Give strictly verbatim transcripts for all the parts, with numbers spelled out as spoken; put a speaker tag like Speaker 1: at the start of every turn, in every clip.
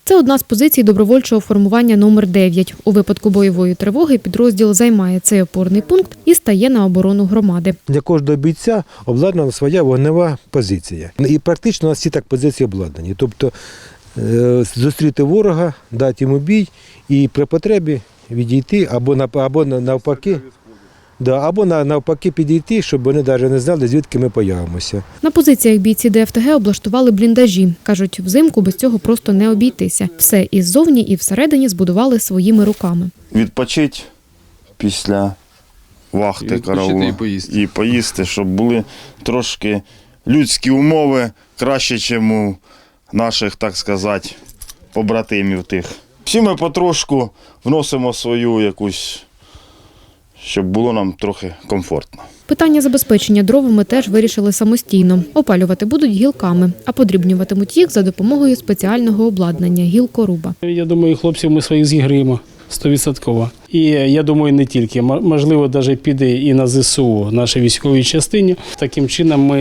Speaker 1: Це одна з позицій добровольчого формування номер дев'ять. У випадку бойової тривоги підрозділ займає цей опорний пункт і стає на оборону громади.
Speaker 2: Для кожного бійця обладнана своя вогнева позиція. І практично у нас всі так позиції обладнані. Тобто зустріти ворога, дати йому бій і при потребі відійти або, або навпаки. Да, або навпаки підійти, щоб вони навіть не знали, звідки ми появимося.
Speaker 1: На позиціях бійці ДФТГ облаштували бліндажі. Кажуть, взимку без цього просто не обійтися. Все і ззовні, і всередині збудували своїми руками.
Speaker 3: Відпочити після вахти караулу
Speaker 4: і поїсти.
Speaker 3: і поїсти, щоб були трошки людські умови краще, ніж у наших, так сказати, побратимів тих. Всі ми потрошку вносимо свою якусь, щоб було нам трохи комфортно.
Speaker 1: Питання забезпечення дровами теж вирішили самостійно. Опалювати будуть гілками, а подрібнюватимуть їх за допомогою спеціального обладнання – гілкоруба.
Speaker 5: Я думаю, хлопців ми своїх зігріємо стовідсотково. І я думаю, не тільки. Можливо, навіть піде і на ЗСУ, нашій військовій частині. Таким чином ми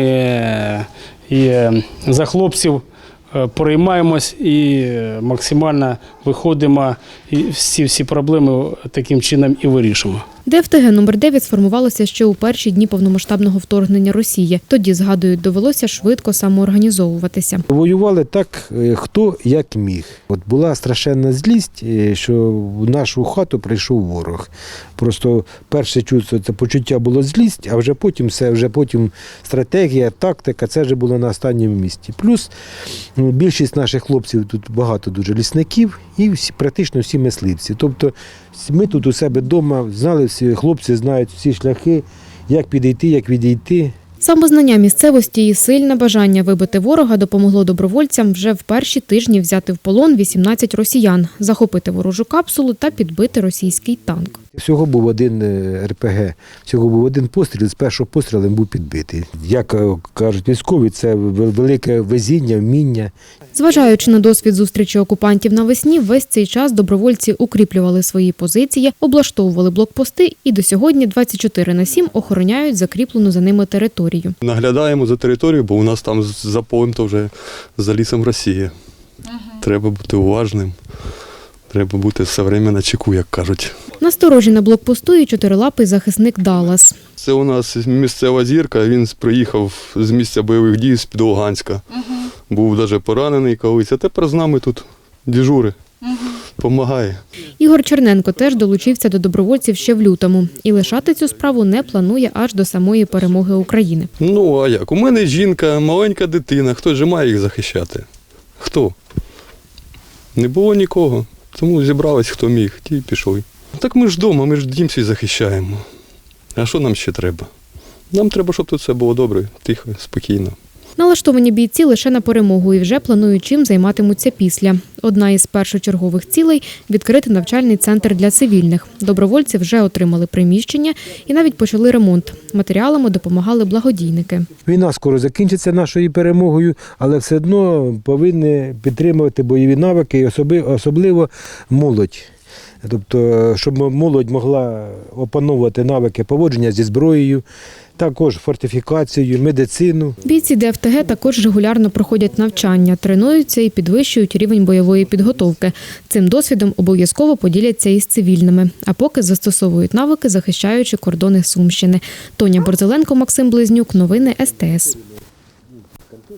Speaker 5: і за хлопців переймаємось і максимально виходимо, і всі, всі проблеми таким чином і вирішимо.
Speaker 1: ДФТГ номер дев'ять сформувалося ще у перші дні повномасштабного вторгнення Росії. Тоді, згадують, довелося швидко самоорганізовуватися.
Speaker 2: Воювали так, хто як міг. От була страшенна злість, що в нашу хату прийшов ворог. Просто перше чувство, це почуття було злість, а вже потім все, вже потім стратегія, тактика, це вже було на останньому місці. Плюс ну, більшість наших хлопців, тут багато дуже лісників і всі, практично всі мисливці. Тобто ми тут у себе вдома знали, всі хлопці знають всі шляхи, як підійти, як відійти.
Speaker 1: Самознання місцевості і сильне бажання вибити ворога допомогло добровольцям вже в перші тижні взяти в полон вісімнадцять росіян, захопити ворожу капсулу та підбити російський танк.
Speaker 2: Всього був один ер пе ге, всього був один постріл, з першого пострілу був підбитий. Як кажуть військові, це велике везіння, вміння.
Speaker 1: Зважаючи на досвід зустрічі окупантів навесні, весь цей час добровольці укріплювали свої позиції, облаштовували блокпости і до сьогодні двадцять чотири на сім охороняють закріплену за ними територію.
Speaker 4: Наглядаємо за територією, бо у нас там за полем то вже за лісом Росія. Ага. Треба бути уважним, треба бути все время на чеку, як кажуть.
Speaker 1: Насторожі на блокпосту і чотирилапий захисник Даллас.
Speaker 4: Це у нас місцева зірка, він приїхав з місця бойових дій з-під Луганська. Ага. Був навіть поранений колись, а тепер з нами тут дежури, допомагає.
Speaker 1: Ігор Черненко теж долучився до добровольців ще в лютому і лишати цю справу не планує аж до самої перемоги України.
Speaker 4: Ну, а як? У мене жінка, маленька дитина, хто ж має їх захищати? Хто? Не було нікого, тому зібрались, хто міг, ті й пішли. Так ми ж вдома, ми ж дім свій захищаємо. А що нам ще треба? Нам треба, щоб тут все було добре, тихо, спокійно.
Speaker 1: Налаштовані бійці лише на перемогу і вже планують, чим займатимуться після. Одна із першочергових цілей – відкрити навчальний центр для цивільних. Добровольці вже отримали приміщення і навіть почали ремонт. Матеріалами допомагали благодійники.
Speaker 2: Війна скоро закінчиться нашою перемогою, але все одно повинні підтримувати бойові навики, особливо молодь. Тобто, щоб молодь могла опановувати навики поводження зі зброєю, також фортифікацію, медицину.
Speaker 1: Бійці ДФТГ також регулярно проходять навчання, тренуються і підвищують рівень бойової підготовки. Цим досвідом обов'язково поділяться із цивільними, а поки застосовують навики, захищаючи кордони Сумщини. Тоня Борзеленко, Максим Близнюк. Новини ес те ес.